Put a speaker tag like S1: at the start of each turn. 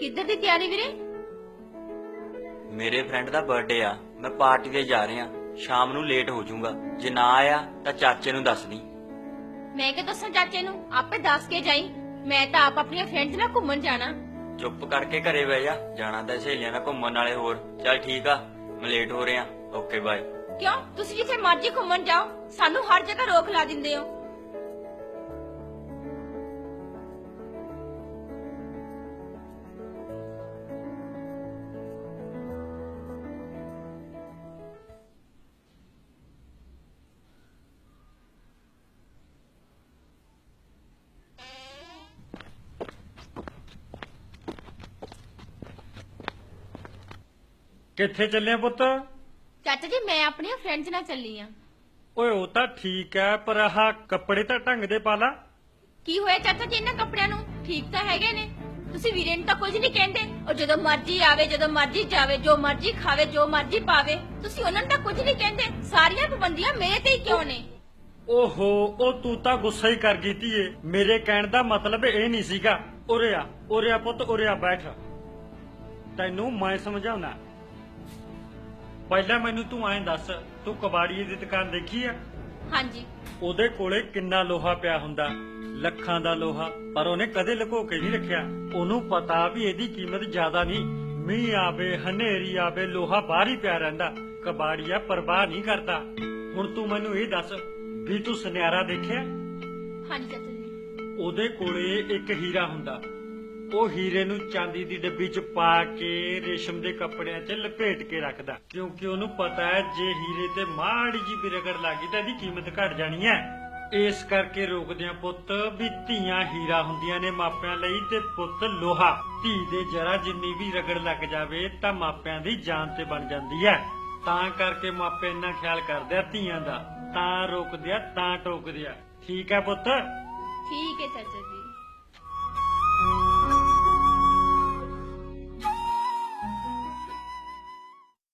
S1: किधर दी तैयारी वीरे?
S2: मेरे फ्रेंड दा बर्थडे आ, मैं पार्टी ते जा रहा। शाम नू लेट हो जाऊंगा, जे ना आया तां चाचे नू दस दी।
S1: मैं क्या दसा चाचे नू? आपे दस के जाई। मैं तो आप अपनी फ्रेंड्स नाल घूमन जाना।
S2: चुप करके घरे बह जा, जाना तां सहेलियां नाल घूमन नाले होर। चल ठीक आ, मैं लेट हो रहा। Okay bye.
S1: क्यों तुसी जिथे मर्जी घूमन जाओ, सानू हर जगह रोक ला दिंदे हो।
S3: ਕਿੱਥੇ ਚੱਲੇ ਪੁੱਤ?
S1: ਚਾਚਾ जी मैं अपनी फ्रेंड्स नाल चली आ।
S3: ਓਏ ਉਹ ਤਾਂ ਠੀਕ ਐ, ਪਰ ਆਹ ਕੱਪੜੇ ਤਾਂ ਢੰਗ ਦੇ ਪਾ ਲਾ।
S1: ਕੀ ਹੋਇਆ ਚਾਚਾ ਜੀ ਇਹਨਾਂ ਕੱਪੜਿਆਂ ਨੂੰ? ਠੀਕ ਤਾਂ ਹੈਗੇ ਨੇ। ਤੁਸੀਂ ਵੀਰੇ ਨੂੰ ਤਾਂ ਕੁਝ ਨਹੀਂ ਕਹਿੰਦੇ। ਉਹ ਜਦੋਂ ਮਰਜ਼ੀ ਆਵੇ, ਜਦੋਂ ਮਰਜ਼ੀ ਜਾਵੇ, ਜੋ ਮਰਜ਼ੀ ਖਾਵੇ, ਜੋ ਮਰਜ਼ੀ ਪਾਵੇ, ਤੁਸੀਂ ਉਹਨਾਂ ਨੂੰ ਤਾਂ ਕੁਝ ਨਹੀਂ ਕਹਿੰਦੇ। ਸਾਰੀਆਂ ਪਾਬੰਦੀਆਂ ਮੇਰੇ ਤੇ ਹੀ ਕਿਉਂ ਨੇ?
S3: ਓਹੋ, ਉਹ ਤੂੰ ਤਾਂ ਗੁੱਸਾ ਹੀ ਕਰ ਗਈ ਧੀਏ। ਮੇਰੇ ਕਹਿਣ ਦਾ ਮਤਲਬ ਇਹ ਨਹੀਂ ਸੀਗਾ। ਉਰੇ ਆ ਪੁੱਤ, ਉਰੇ ਆ ਬੈਠ। ਤੈਨੂੰ ਮੈਂ ਸਮਝਾਉਣਾ। ਪਹਿਲਾਂ ਮੈਨੂੰ ਤੂੰ ਐਂ ਦੱਸ, ਤੂੰ ਕਬਾੜੀਏ ਦੀ ਦੁਕਾਨ ਦੇਖੀ ਆ?
S1: ਹਾਂਜੀ।
S3: ਉਹਦੇ ਕੋਲੇ ਕਿੰਨਾ ਲੋਹਾ ਪਿਆ ਹੁੰਦਾ, ਲੱਖਾਂ ਦਾ ਲੋਹਾ, ਪਰ ਉਹਨੇ ਕਦੇ ਲੁਕੋ ਕੇ ਨਹੀਂ ਰੱਖਿਆ। ਉਹਨੂੰ ਪਤਾ ਵੀ ਇਹਦੀ ਕੀਮਤ ਜ਼ਿਆਦਾ ਨਹੀਂ। ਮੀਂਹ ਆਵੇ, ਹਨੇਰੀ ਆਵੇ, ਲੋਹਾ ਬਾਹਰ ਹੀ ਪਿਆ ਰਹਿੰਦਾ। ਕਬਾੜੀਆ ਪਰਵਾਹ ਨਹੀਂ ਕਰਦਾ। ਹੁਣ ਤੂੰ ਮੈਨੂੰ ਇਹ ਦੱਸ ਵੀ ਤੂੰ ਸੁਨਿਆਰਾ ਦੇਖਿਆ?
S1: ਹਾਂਜੀ ਚਾਚਾ ਜੀ।
S3: ਉਹਦੇ ਕੋਲੇ ਇੱਕ ਹੀਰਾ ਹੁੰਦਾ। ਉਹ ਹੀਰੇ ਨੂੰ ਚਾਂਦੀ ਦੀ ਡੱਬੀ 'ਚ ਪਾ ਕੇ ਰੇਸ਼ਮ ਦੇ ਕੱਪੜਿਆਂ 'ਚ ਲਪੇਟ ਕੇ ਰੱਖਦਾ, ਕਿਉਂਕਿ ਉਹਨੂੰ ਪਤਾ ਹੈ ਜੇ ਹੀਰੇ ਤੇ ਮਾੜੀ ਜੀ ਵੀ ਰਗੜ ਲੱਗੀ ਤਾਂ ਇਹਦੀ ਕੀਮਤ ਘਟ ਜਾਣੀ ਹੈ। ਇਸ ਕਰਕੇ ਰੋਕਦੇ ਆ ਪੁੱਤ ਵੀ ਧੀਆਂ ਹੀਰਾ ਹੁੰਦੀਆਂ ਨੇ ਮਾਪਿਆਂ ਲਈ ਤੇ ਪੁੱਤ ਲੋਹਾ। ਧੀ ਦੇ ਜਰਾ ਜਿੰਨੀ ਵੀ ਰਗੜ ਲੱਗ ਜਾਵੇ ਤਾਂ ਮਾਪਿਆਂ ਦੀ ਜਾਨ ਤੇ ਬਣ ਜਾਂਦੀ ਹੈ। ਤਾਂ ਕਰਕੇ ਮਾਪੇ ਇੰਨਾ ਖਿਆਲ ਕਰਦੇ ਆ ਧੀਆਂ ਦਾ, ਤਾਂ ਰੋਕਦੇ ਆ, ਤਾਂ ਟੋਕਦੇ ਆ। ਠੀਕ ਹੈ ਪੁੱਤ?
S1: ਠੀਕ ਹੈ ਚਾਚਾ ਜੀ।